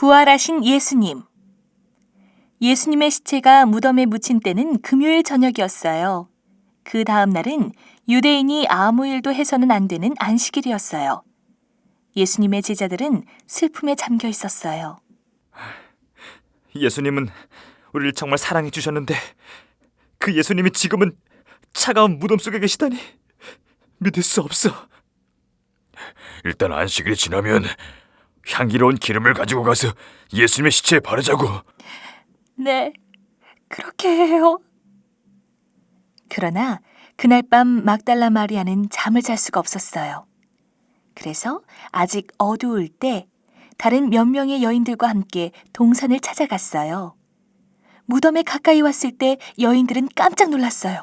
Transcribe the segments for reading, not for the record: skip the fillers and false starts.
부활하신 예수님. 예수님의 시체가 무덤에 묻힌 때는 금요일 저녁이었어요. 그 다음 날은 유대인이 아무 일도 해서는 안 되는 안식일이었어요. 예수님의 제자들은 슬픔에 잠겨 있었어요. 예수님은 우리를 정말 사랑해 주셨는데 그 예수님이 지금은 차가운 무덤 속에 계시다니 믿을 수 없어. 일단 안식일이 지나면 향기로운 기름을 가지고 가서 예수님의 시체에 바르자고. 네, 그렇게 해요. 그러나 그날 밤 막달라 마리아는 잠을 잘 수가 없었어요. 그래서 아직 어두울 때 다른 몇 명의 여인들과 함께 동산을 찾아갔어요. 무덤에 가까이 왔을 때 여인들은 깜짝 놀랐어요.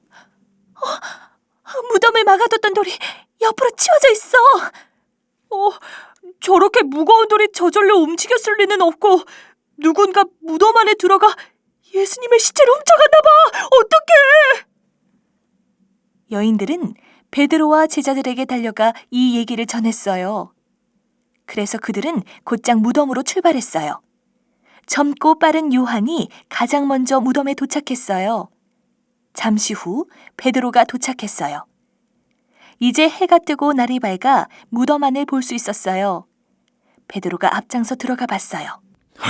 무덤을 막아뒀던 돌이 옆으로 치워져 있어. 저렇게 무거운 돌이 저절로 움직였을 리는 없고 누군가 무덤 안에 들어가 예수님의 시체를 훔쳐갔나 봐. 어떡해! 여인들은 베드로와 제자들에게 달려가 이 얘기를 전했어요. 그래서 그들은 곧장 무덤으로 출발했어요. 젊고 빠른 요한이 가장 먼저 무덤에 도착했어요. 잠시 후 베드로가 도착했어요. 이제 해가 뜨고 날이 밝아 무덤 안을 볼 수 있었어요. 베드로가 앞장서 들어가 봤어요.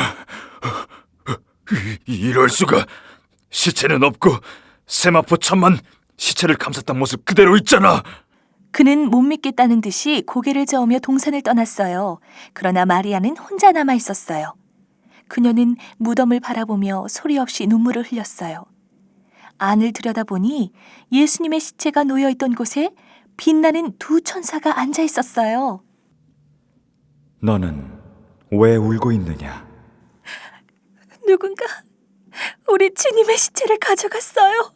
이럴 수가. 시체는 없고 세마포 천만 시체를 감쌌던 모습 그대로 있잖아. 그는 못 믿겠다는 듯이 고개를 저으며 동산을 떠났어요. 그러나 마리아는 혼자 남아 있었어요. 그녀는 무덤을 바라보며 소리 없이 눈물을 흘렸어요. 안을 들여다보니 예수님의 시체가 놓여있던 곳에 빛나는 두 천사가 앉아 있었어요. 너는 왜 울고 있느냐? 누군가 우리 주님의 시체를 가져갔어요.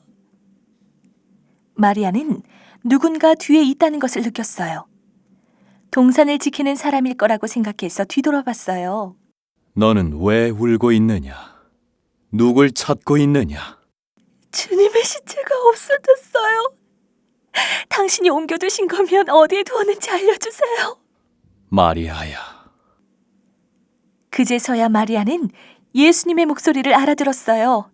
마리아는 누군가 뒤에 있다는 것을 느꼈어요. 동산을 지키는 사람일 거라고 생각해서 뒤돌아봤어요. 너는 왜 울고 있느냐? 누굴 찾고 있느냐? 주님의 시체가 없어졌어요. 당신이 옮겨두신 거면 어디에 두었는지 알려주세요. 마리아야. 그제서야 마리아는 예수님의 목소리를 알아들었어요.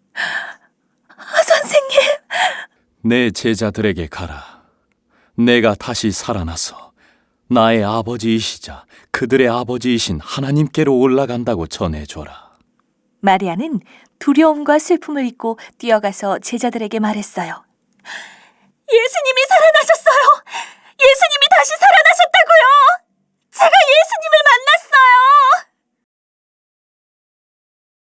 선생님! 내 제자들에게 가라. 내가 다시 살아나서 나의 아버지이시자 그들의 아버지이신 하나님께로 올라간다고 전해줘라. 마리아는 두려움과 슬픔을 잊고 뛰어가서 제자들에게 말했어요. 예수님이 살아나셨어요!